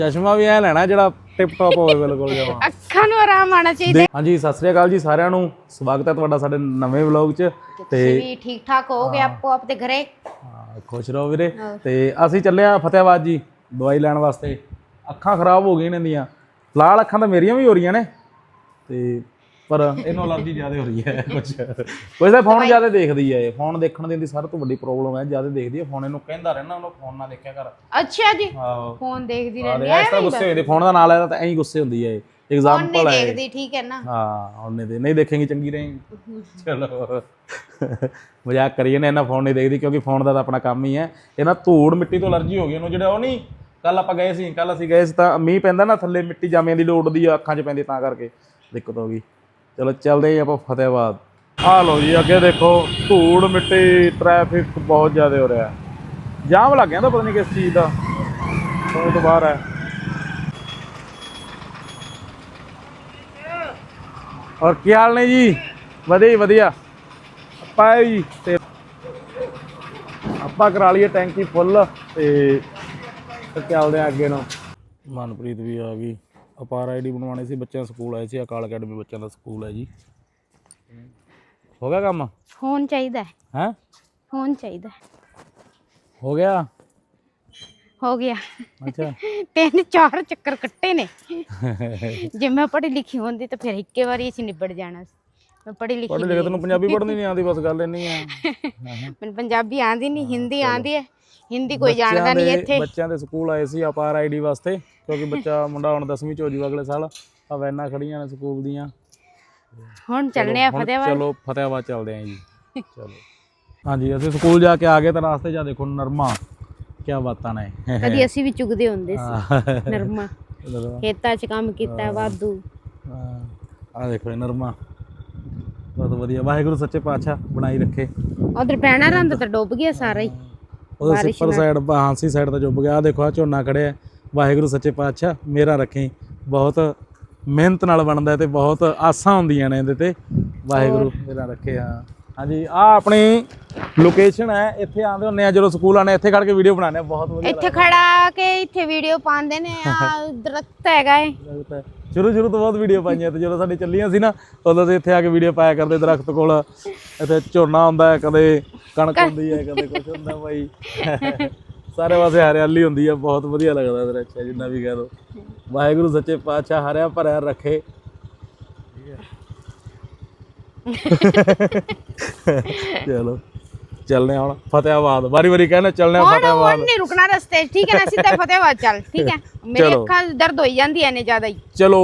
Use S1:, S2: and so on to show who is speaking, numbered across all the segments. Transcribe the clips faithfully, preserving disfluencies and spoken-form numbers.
S1: ਚਸ਼ਮਾ ਵੀ ਐ ਲੈਣਾ ਜਿਹੜਾ ਟਿਪ ਟਾਪ ਹੋਵੇ ਬਿਲਕੁਲ ਜਮਾ
S2: ਅੱਖਾਂ ਨੂੰ ਆਰਾਮ ਆਣਾ ਚਾਹੀਦਾ।
S1: ਹਾਂਜੀ ਸਤਿ ਸ੍ਰੀ ਅਕਾਲ ਜੀ ਸਾਰਿਆਂ ਨੂੰ, ਸਵਾਗਤ ਹੈ ਤੁਹਾਡਾ ਸਾਡੇ ਨਵੇਂ ਵਲੌਗ 'ਚ।
S2: ਤੇ ਵੀ ਠੀਕ ਠਾਕ ਹੋਗੇ ਆਪੋ ਆਪਦੇ ਘਰੇ।
S1: ਹਾਂ ਖੁਸ਼ ਰਹੋ ਵੀਰੇ। ਤੇ ਅਸੀਂ ਚੱਲੇ ਆ ਫਤਿਆਬਾਦ ਜੀ ਦਵਾਈ ਲੈਣ ਵਾਸਤੇ। ਅੱਖਾਂ ਖਰਾਬ ਹੋ ਗਈਆਂ ਇਹਨਾਂ ਦੀਆਂ, ਲਾਲ ਅੱਖਾਂ ਤਾਂ ਮੇਰੀਆਂ ਵੀ ਹੋ ਰਹੀਆਂ ਨੇ ਤੇ ਪਰ ਇਹਨੂੰ ਅਲਰਜੀ ਜ਼ਿਆਦਾ ਹੋ ਰਹੀ ਹੈ। ਕੁਛ ਕੁਛ ਤਾਂ ਫੋਨ ਜ਼ਿਆਦਾ ਦੇਖਦੀ ਹੈ, ਫੋਨ ਦੇਖਣ ਦੀ ਇਹਦੀ ਸਭ ਤੋਂ ਵੱਡੀ ਪ੍ਰੋਬਲਮ ਹੈ, ਜ਼ਿਆਦਾ ਦੇਖਦੀ ਹੈ ਫੋਨ। ਇਹਨੂੰ ਕਹਿੰਦਾ ਰਹਿਣਾ ਉਹਨੂੰ ਫੋਨ ਨਾ ਦੇਖਿਆ ਕਰ।
S2: ਅੱਛਾ ਜੀ,
S1: ਹਾਂ
S2: ਫੋਨ ਦੇਖਦੀ ਰਹਿੰਦੀ
S1: ਹੈ, ਇਸ ਤਰ੍ਹਾਂ ਗੁੱਸੇ ਹੁੰਦੀ ਫੋਨ ਦਾ ਨਾਂ ਲੈਦਾ ਤਾਂ ਐਂ ਹੀ ਗੁੱਸੇ ਹੁੰਦੀ ਹੈ। ਐਗਜ਼ਾਮਪਲ ਹੈ
S2: ਦੇਖਦੀ, ਠੀਕ ਹੈ ਨਾ।
S1: ਹਾਂ ਉਹਨੇ ਤੇ ਨਹੀਂ ਦੇਖੇਂਗੀ ਚੰਗੀ ਰਹੇਗੀ। ਚਲੋ ਮਜ਼ਾਕ ਕਰੀਏ ਨਾ, ਇਹਨਾਂ ਫੋਨ ਨਹੀਂ ਦੇਖਦੀ ਕਿਉਂਕਿ ਫੋਨ ਦਾ ਤਾਂ ਆਪਣਾ ਕੰਮ ਹੀ ਹੈ। ਇਹਨਾਂ ਧੂੜ ਮਿੱਟੀ ਤੋਂ ਅਲਰਜੀ ਹੋ ਗਈ ਉਹਨੂੰ। ਜਿਹੜਾ ਉਹ ਨਹੀਂ ਕੱਲ ਆਪਾਂ ਗਏ ਸੀ, ਕੱਲ ਅਸੀਂ ਗਏ ਸੀ ਤਾਂ ਮੀਂਹ ਪੈਂਦਾ ਨਾ, ਥੱਲੇ ਮਿੱਟੀ ਜਾਮਿਆਂ ਦੀ ਲੋੜਦੀ ਆ, ਅੱਖਾਂ 'ਚ ਪੈਂਦੀ, ਤਾਂ ਕਰਕੇ ਦਿੱਕਤ ਹੋ ਗਈ। ਚਲੋ ਚੱਲਦੇ ਆਪਾਂ ਫਤਿਆਬਾਦ। ਆਹ ਲਓ ਜੀ ਅੱਗੇ ਦੇਖੋ ਧੂੜ ਮਿੱਟੀ, ਟ੍ਰੈਫਿਕ ਬਹੁਤ ਜ਼ਿਆਦਾ ਹੋ ਰਿਹਾ, ਜਾਮ ਲੱਗ ਗਿਆ ਤਾਂ ਪਤਾ ਨਹੀਂ ਕਿਸ ਚੀਜ਼ ਦਾ, ਸਮਝ ਤੋਂ ਬਾਹਰ ਹੈ। ਔਰ ਕੀ ਹਾਲ ਨੇ ਜੀ? ਵਧੀਆ ਵਧੀਆ। ਆਪਾਂ ਜੀ ਤੇ ਆਪਾਂ ਕਰਾ ਲਈਏ ਟੈਂਕੀ ਫੁੱਲ ਤੇ ਚੱਲਦੇ ਆ ਅੱਗੇ ਨੂੰ। ਮਨਪ੍ਰੀਤ ਵੀ ਆ ਗਈ। ਅਪਾਰ ਆਈ ਡੀ ਬਣਵਾਉਣੀ ਸੀ, ਬੱਚਿਆਂ ਸਕੂਲ ਆਏ ਸੀ, ਅਕਾਲ ਅਕੈਡਮੀ ਬੱਚਿਆਂ ਦਾ ਸਕੂਲ ਹੈ ਜੀ। ਹੋ ਗਿਆ ਕੰਮ?
S2: ਫੋਨ ਚਾਹੀਦਾ
S1: ਹੈ,
S2: ਫੋਨ ਚਾਹੀਦਾ।
S1: ਹੋ ਗਿਆ
S2: ਹੋ ਗਿਆ।
S1: ਅੱਛਾ
S2: ਤਿੰਨ ਚਾਰ ਚੱਕਰ ਕੱਟੇ ਨੇ। ਜੇ ਮੈਂ ਪੜ੍ਹੀ ਲਿਖੀ ਹੁੰਦੀ ਤਾਂ ਫਿਰ ਇੱਕੇ ਵਾਰੀ ਅਸੀਂ ਨਿਬੜ ਜਾਣਾ ਸੀ। ਮੈਂ ਪੜ੍ਹੀ ਲਿਖੀ
S1: ਪੜ੍ਹ ਲਿਖ ਤੈਨੂੰ ਪੰਜਾਬੀ ਪੜ੍ਹਨੀ ਨਹੀਂ ਆਉਂਦੀ, ਬਸ ਗੱਲ ਇੰਨੀ ਆ।
S2: ਮੈਨੂੰ ਪੰਜਾਬੀ ਆਉਂਦੀ ਨਹੀਂ, ਹਿੰਦੀ ਆਉਂਦੀ ਹੈ। ਹਿੰਦੀ ਕੋਈ ਜਾਣਦਾ ਨਹੀਂ ਇੱਥੇ।
S1: ਬੱਚਿਆਂ ਦੇ ਸਕੂਲ ਆਏ ਸੀ ਅਪਾਰ ਆਈ ਡੀ ਵਾਸਤੇ, ਕਿਉਂਕਿ ਬੱਚਾ ਮੁੰਡਾ ਹੁਣ ਦਸਵੀਂ 'ਚ ਹੋ ਜੂਗਾ ਅਗਲੇ ਸਾਲ। ਆ ਵੈਨਾਂ ਖੜੀਆਂ ਨੇ ਸਕੂਲ ਦੀਆਂ।
S2: ਹੁਣ ਚੱਲਣੇ ਆ ਫਤਿਆਬਾਦ।
S1: ਚਲੋ ਫਤਿਆਬਾਦ ਚੱਲਦੇ ਆਂ ਜੀ। ਚਲੋ ਹਾਂਜੀ ਅਸੀਂ ਸਕੂਲ ਜਾ ਕੇ ਆ ਗਏ ਤਾਂ ਰਾਸਤੇ 'ਚ ਦੇਖੋ ਨਰਮਾ, ਕਿਆ ਬਾਤਾਂ ਨੇ।
S2: ਕਦੀ ਅਸੀਂ ਵੀ ਚੁਗਦੇ ਹੁੰਦੇ ਸੀ ਨਰਮਾ, ਖੇਤਾਂ 'ਚ ਕੰਮ ਕੀਤਾ ਵਾਧੂ।
S1: ਆਹ ਦੇਖੋ ਨਰਮਾ, ਬਹੁਤ ਵਧੀਆ। ਵਾਹਿਗੁਰੂ ਸੱਚੇ ਪਾਤਸ਼ਾਹ ਬਣਾਈ ਰੱਖੇ।
S2: ਉਧਰ ਪੈਣਾ ਰੰਦ ਤਾਂ ਡੁੱਬ ਗਿਆ ਸਾਰਾ ਹੀ।
S1: ਉਹਦੇ ਉੱਪਰ ਸਾਈਡ ਹਾਂਸੀ ਸਾਈਡ ਤਾਂ ਡੁੱਬ ਗਿਆ। ਆਹ ਦੇਖੋ ਆਹ ਝੋਨਾ ਖੜਿਆ। ਵਾਹਿਗੁਰੂ ਸੱਚੇ ਪਾਤਸ਼ਾਹ ਮੇਰਾ ਰੱਖੀ। ਬਹੁਤ ਮਿਹਨਤ ਨਾਲ ਬਣਦਾ ਤੇ ਬਹੁਤ ਆਸਾਂ ਹੁੰਦੀਆਂ ਨੇ ਇਹਦੇ ਤੇ। ਵਾਹਿਗੁਰੂ ਮੇਰਾ ਰੱਖੇ। ਹਾਂ ਹਾਂਜੀ ਆਹ ਆਪਣੀ ਲੋਕੇਸ਼ਨ ਹੈ, ਇੱਥੇ ਆਉਂਦੇ ਹੁੰਦੇ ਆ ਜਦੋਂ ਸਕੂਲ ਆਉਂਦੇ, ਇੱਥੇ ਖੜ ਕੇ ਵੀਡੀਓ ਬਣਾਉਂਦੇ ਆ, ਬਹੁਤ ਵਧੀਆ।
S2: ਇੱਥੇ ਖੜਾ ਕੇ ਇੱਥੇ ਵੀਡੀਓ ਪਾਉਂਦੇ ਨੇ। ਆ ਦਰਖਤ ਹੈਗਾ ਏ।
S1: ਸ਼ੁਰੂ ਸ਼ੁਰੂ ਤੋਂ ਬਹੁਤ ਵੀਡੀਓ ਪਾਈਆਂ ਤੇ ਜਦੋਂ ਸਾਡੀ ਚੱਲੀਆਂ ਸੀ ਨਾ, ਉਦੋਂ ਤੇ ਇੱਥੇ ਆ ਕੇ ਵੀਡੀਓ ਪਾਇਆ ਕਰਦੇ ਦਰਖਤ ਕੋਲ। ਇੱਥੇ ਝੋਨਾ ਹੁੰਦਾ, ਕਦੇ ਕਣਕ ਹੁੰਦੀ ਹੈ, ਕਦੇ ਕੁਛ ਹੁੰਦਾ ਬਾਈ। ਸਾਰੇ ਪਾਸੇ ਹਰਿਆਲੀ ਹੁੰਦੀ ਆ, ਬਹੁਤ ਵਧੀਆ ਲੱਗਦਾ ਦ੍ਰਿਸ਼, ਜਿੰਨਾ ਵੀ ਕਹਿ ਦੋ। ਵਾਹਿਗੁਰੂ ਸੱਚੇ ਪਾਤਸ਼ਾਹ ਹਰਿਆ ਭਰਿਆ ਰੱਖੇ। ਚਲੋ ਚੱਲਨੇ ਹੁਣ ਫਤਿਆਬਾਦ। ਵਾਰੀ ਵਾਰੀ ਕਹਿੰਦੇ ਚੱਲਨੇ ਫਤਿਆਬਾਦ।
S2: ਨਹੀਂ ਰੁਕਣਾ ਰਸਤੇ 'ਚ, ਠੀਕ ਹੈ ਨਾ? ਸਿੱਧਾ ਫਤਿਆਬਾਦ ਚੱਲ, ਠੀਕ ਹੈ? ਮੇਰੀ ਅੱਖਾਂ ਦਰਦ ਹੋਈ ਜਾਂਦੀਆਂ ਨੇ ਜ਼ਿਆਦਾ ਹੀ।
S1: ਚਲੋ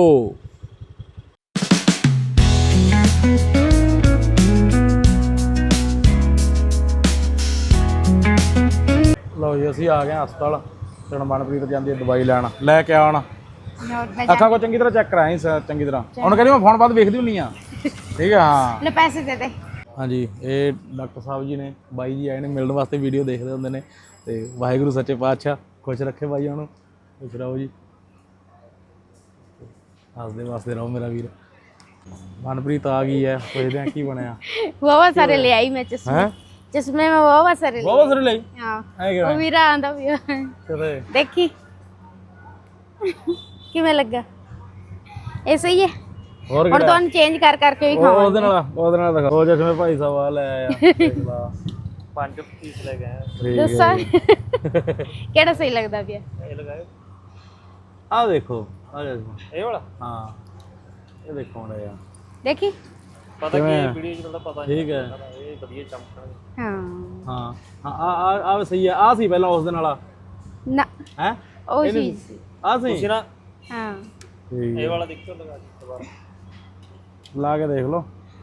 S1: ਲਓ ਜੀ ਅਸੀਂ ਆ ਗਏ ਹਸਪਤਾਲ। ਤੇ ਹੁਣ ਮਨਪ੍ਰੀਤ ਜਾਂਦੀ ਹੈ ਦਵਾਈ ਲੈਣ, ਲੈ ਕੇ ਆਉਣ। ਅੱਖਾਂ ਕੋ ਚੰਗੀ ਤਰ੍ਹਾਂ ਚੈੱਕ ਕਰਾਈ ਚੰਗੀ ਤਰ੍ਹਾਂ। ਹੁਣ ਕਹਿੰਦੀ ਮੈਂ ਫੋਨ ਬਾਅਦ ਵੇਖਦੀ ਹੁੰਦੀ ਆ, ਠੀਕ ਹੈ? ਹਾਂ
S2: ਲੈ ਪੈਸੇ ਦੇ ਦੇ। ਹਾਂਜੀ
S1: ਇਹ ਡਾਕਟਰ ਸਾਹਿਬ ਜੀ ਨੇ, ਬਾਈ ਜੀ ਆਏ ਨੇ ਮਿਲਣ ਵਾਸਤੇ, ਵੀਡੀਓ ਦੇਖਦੇ ਹੁੰਦੇ ਨੇ। ਤੇ ਵਾਹਿਗੁਰੂ ਸੱਚੇ ਪਾਤਸ਼ਾਹ ਖੁਸ਼ ਰੱਖੇ ਬਾਈ ਉਹਨੂੰ। ਖੁਸ਼ ਰਹੋ ਜੀ, ਹੱਸਦੇ ਵਾਸਤੇ ਰਹੋ ਮੇਰਾ ਵੀਰ। ਮਨਪ੍ਰੀਤ ਆ ਗਈ ਹੈ, ਪੁੱਛਦੇ ਆ ਕੀ ਬਣਿਆ।
S2: ਬਹੁਤ ਸਾਰੇ ਲੈ ਆਈ ਮੈਂ ਚਸ਼ਮੇ। ਚਸ਼ਮੇ ਮੈਂ ਬਹੁਤ ਸਾਰੇ ਲੈ
S1: ਬਹੁਤ ਸਾਰੇ ਲਈ।
S2: ਹਾਂ ਉਹ ਵੀਰਾ ਆਂਦਾ ਵੀ
S1: ਕਿਤੇ
S2: ਦੇਖੀ ਕਿਵੇਂ ਲੱਗਾ। ਇਹ ਸਹੀ ਹੈ।
S1: ਹੋਰ
S2: ਹੁਣ ਤੁਹਾਨੂੰ ਚੇਂਜ ਕਰ ਕਰਕੇ ਵੀ ਖਾਵਾਂਗੇ।
S1: ਉਹਦੇ ਨਾਲ ਉਹਦੇ ਨਾਲ ਦਿਖਾ। ਉਹ ਜਿਵੇਂ ਭਾਈ ਸਾਹਿਬ ਆ ਲੈ ਆਇਆ, ਦੇਖ ਲਾ ਪੰਜ ਪੀਸ ਲੈ ਗਏ।
S2: ਦੱਸੋ ਕਿਹੜਾ ਸਹੀ ਲੱਗਦਾ ਪਿਆ?
S1: ਇਹ ਲਗਾਓ। ਆਹ ਦੇਖੋ, ਆਹ ਦੇਖੋ ਇਹ ਵਾਲਾ। ਹਾਂ ਇਹ ਦੇਖੋ ਹੁਣ ਯਾਰ, ਦੇਖੀ ਪਤਾ ਕੀ ਵੀਡੀਓ 'ਚ ਤਾਂ ਪਤਾ ਨਹੀਂ। ਠੀਕ ਹੈ, ਇਹ ਵਧੀਆ ਚਮਕਣਗੇ।
S2: ਹਾਂ
S1: ਹਾਂ ਹਾਂ ਆ ਆ ਸਹੀ ਹੈ। ਆ ਸੀ ਪਹਿਲਾਂ ਉਸ ਦਿਨ ਵਾਲਾ
S2: ਨਾ
S1: ਹੈ,
S2: ਉਹ ਚੀਜ਼ ਸੀ।
S1: ਆ ਸੀ ਨਾ?
S2: ਹਾਂ
S1: ਇਹ ਵਾਲਾ ਦੇਖੋ, ਲਗਾ ਕੇ ਦੁਬਾਰਾ ਲਾ ਕੇ ਦੇਖ ਲਓ।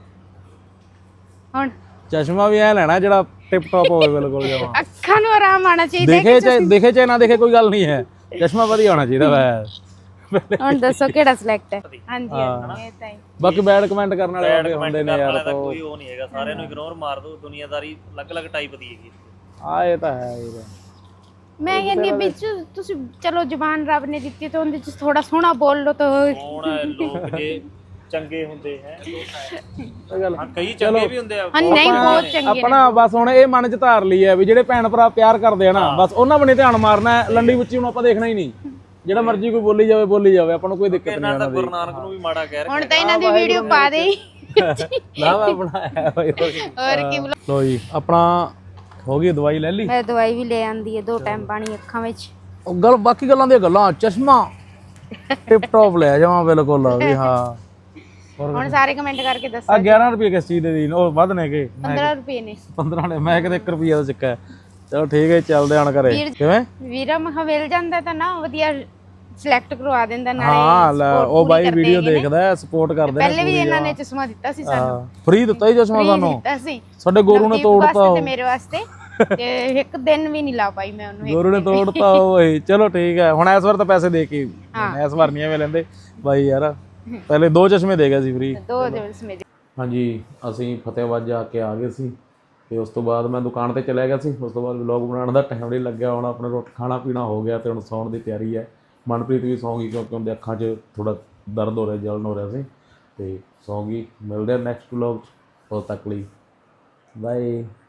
S2: ਹੁਣ
S1: ਚਸ਼ਮਾ ਵੀ ਐ ਲੈਣਾ ਜਿਹੜਾ ਟਿਪ ਟਾਪ ਹੋਵੇ ਬਿਲਕੁਲ ਜਮਾ।
S2: ਅੱਖਾਂ ਨੂੰ ਆਰਾਮ ਆਣਾ ਚਾਹੀਦਾ।
S1: ਦੇਖੇ ਚਾਹੇ ਦੇਖੇ ਚਾਹੇ ਨਾ ਦੇਖੇ ਕੋਈ ਗੱਲ ਨਹੀਂ ਹੈ, ਚਸ਼ਮਾ ਵਧੀਆ ਹੋਣਾ ਚਾਹੀਦਾ ਵੈ।
S2: ਹੁਣ ਦੱਸੋ ਕਿਹੜਾ ਸਿਲੈਕਟ ਹੈ? ਹਾਂਜੀ ਇਹ ਤਾਂ ਹੀ।
S1: ਬਾਕੀ ਬੈਡ ਕਮੈਂਟ ਕਰਨ ਵਾਲੇ ਆਉਂਦੇ ਹੁੰਦੇ ਨੇ ਯਾਰ, ਤਾਂ
S3: ਕੋਈ ਉਹ ਨਹੀਂ ਹੈਗਾ। ਸਾਰਿਆਂ ਨੂੰ ਇਗਨੋਰ ਮਾਰ ਦੋ। ਦੁਨੀਆਦਾਰੀ ਅਲੱਗ-ਅਲੱਗ ਟਾਈਪ ਦੀ ਹੈਗੀ।
S1: ਆ ਇਹ ਤਾਂ ਹੈ ਵੀਰ।
S2: ਮੈਂ ਕਹਿੰਦੀ ਵਿੱਚ ਤੁਸੀਂ ਚਲੋ ਜ਼ੁਬਾਨ ਰੱਬ ਨੇ ਦਿੱਤੀ ਤਾਂ ਉਹਦੇ 'ਚ ਥੋੜਾ ਸੋਹਣਾ ਬੋਲ ਲਓ ਤਾਂ
S3: ਕੌਣ ਹੈ ਲੋਕ ਜੇ ਚੰਗੇ ਹੁੰਦੇ ਹੈ।
S1: ਇਹ ਗੱਲ
S3: ਕਈ ਚੰਗੇ ਵੀ ਹੁੰਦੇ ਆ।
S2: ਹਾਂ ਨਹੀਂ ਬਹੁਤ ਚੰਗੇ ਨੇ।
S1: ਆਪਣਾ ਬਸ ਹੁਣ ਇਹ ਮਨ 'ਚ ਧਾਰ ਲਈ ਹੈ ਵੀ ਜਿਹੜੇ ਭੈਣ ਭਰਾ ਪਿਆਰ ਕਰਦੇ ਆ ਨਾ, ਬਸ ਉਹਨਾਂ ਬਣੇ ਧਿਆਨ ਮਾਰਨਾ। ਲੰਡੀ ਉੱਚੀ ਨੂੰ ਆਪਾਂ ਦੇਖਣਾ ਹੀ ਨਹੀਂ। ਜਿਹੜਾ ਮਰਜ਼ੀ ਕੋਈ ਬੋਲੀ ਜਾਵੇ ਬੋਲੀ ਜਾਵੇ ਆਪਾਂ ਨੂੰ ਕੋਈ ਦਿੱਕਤ ਨਹੀਂ
S3: ਇਹਨਾਂ ਦਾ
S1: ਆਉਂਦੀ
S3: ਗੁਰੂ ਨਾਨਕ ਨੂੰ ਵੀ ਮਾੜਾ ਕਹਿ ਰਿਹਾ
S2: ਹੁਣ ਤਾਂ ਇਹਨਾਂ ਦੀ ਵੀਡੀਓ ਪਾ ਦੇ
S1: ਨਾ ਮੈਂ ਬਣਾਇਆ ਹੋਇਆ
S2: ਹੋਰ ਕੀ ਬੁਲਾ-
S1: ਲੋ ਜੀ ਆਪਣਾ ਹੋ ਗਈ ਦਵਾਈ ਲੈ ਲਈ
S2: ਮੈਂ ਦਵਾਈ ਵੀ ਲੈ ਆਂਦੀ ਹੈ ਦੋ ਟਾਈਮ ਪਾਣੀ ਅੱਖਾਂ ਵਿੱਚ
S1: ਉਹ ਗੱਲ ਬਾਕੀ ਗੱਲਾਂ ਦੀਆਂ ਗੱਲਾਂ ਚਸ਼ਮਾ ਟਿਪ ਟੌਪ ਲੈ ਜਾਵਾਂ ਬਿਲਕੁਲ ਵੀ ਹਾਂ
S2: ਹੁਣ ਸਾਰੇ ਕਮੈਂਟ ਕਰਕੇ ਦੱਸੋ
S1: ਆ ਗਿਆਰਾਂ ਰੁਪਏ ਕਿਸ ਚੀਜ਼ ਦੇ ਦੀ ਉਹ ਵੱਧ ਨੇ ਕਿ
S2: ਪੰਦਰਾਂ ਰੁਪਏ ਨੇ
S1: ਪੰਦਰਾਂ ਨੇ ਮੈਂ ਕਿਤੇ ਇੱਕ ਰੁਪਈਆ ਦਾ ਚੱਕਾ ਹੈ। ਚਲੋ ਠੀਕ ਹੈ ਚੱਲਦੇ ਆਣ ਘਰੇ ਕਿਵੇਂ
S2: ਵੀਰਾ ਮਖਾ ਮਿਲ ਜਾਂਦਾ ਤਾਂ ਨਾ ਵਧੀਆ ਸਿਲੈਕਟ ਕਰਵਾ ਦਿੰਦਾ ਨਾਲੇ
S1: ਹਾਂ ਲੈ
S2: support
S1: ਉਹ
S2: ਪੂਰੀ
S1: ਬਾਈ
S2: ਕਰਦੇ
S1: ਵੀਡੀਓ
S2: ਹੈਗੇ ਨੇ।
S1: ਦੇਖਦਾ ਸਪੋਰਟ ਕਰਦੇ ਨੇ
S2: ਪਹਿਲੇ ਵੀ ਇਹਨਾਂ ਨੇ ਚਸ਼ਮਾ ਦਿੱਤਾ ਸੀ ਸਾਨੂੰ
S1: ਫ੍ਰੀ ਦਿੱਤਾ ਹੀ ਚਸ਼ਮਾ
S2: free
S1: ਸਾਨੂੰ
S2: ਦਿੱਤਾ ਸੀ
S1: ਸਾਡੇ ਗੋਰੂ ਨੇ
S2: ਨਵਦੀਪ
S1: ਤੋੜਤਾ
S2: ਵਾਸਤੇ
S1: ਉਹ
S2: ਤੇ ਮੇਰੇ ਵਾਸਤੇ ਤੇ ਇੱਕ ਦਿਨ ਵੀ ਨਹੀਂ ਲਾ ਪਾਈ ਮੈਂ ਉਹਨੂੰ
S1: ਗੋਰੂ ਨੇ ਤੋੜਤਾ ਓਏ ਚਲੋ ਠੀਕ ਹੈ ਹੁਣ ਇਸ ਵਾਰ ਤਾਂ ਪੈਸੇ ਦੇ ਕੇ ਇਸ ਵਾਰ ਨਹੀਂ ਐਵੇਂ ਲੈਂਦੇ ਬਾਈ ਯਾਰ ਪਹਿਲੇ ਦੋ ਚਸ਼ਮੇ ਦੇ ਗਿਆ ਸੀ ਫ੍ਰੀ
S2: ਦੋ ਦਿਵਸ ਮੇਰੇ
S1: ਹਾਂਜੀ ਅਸੀਂ ਫਤਿਹਾਬਾਦ ਜਾ ਕੇ ਆ ਗਏ ਸੀ ਤੇ ਉਸ ਤੋਂ ਬਾਅਦ ਮੈਂ ਦੁਕਾਨ ਤੇ ਚਲਿਆ ਗਿਆ ਸੀ ਉਸ ਤੋਂ ਬਾਅਦ ਵਲੌਗ ਬਣਾਉਣ ਦਾ ਟਾਈਮ ਨਹੀਂ ਲੱਗਿਆ ਹੁਣ ਆਪਣੇ ਰੋਟੀ ਖਾਣਾ ਪੀਣਾ ਹੋ ਗਿਆ ਤੇ ਹੁਣ ਸੌਣ ਦੀ ਤਿਆਰੀ ਹੈ ਮਨਪ੍ਰੀਤ ਵੀ ਸੌਂ ਗਈ ਕਿਉਂਕਿ ਉਹਦੇ ਅੱਖਾਂ 'ਚ ਥੋੜਾ ਦਰਦ ਹੋ ਰਿਹਾ ਜਲਨ ਹੋ ਰਿਹਾ ਸੀ ਤੇ ਸੌਂ ਗਈ ਮਿਲਦੇ ਆ ਨੈਕਸਟ ਵਲੌਗ 'ਚ ਉਦੋਂ ਤੱਕ ਲਈ ਬਾਏ।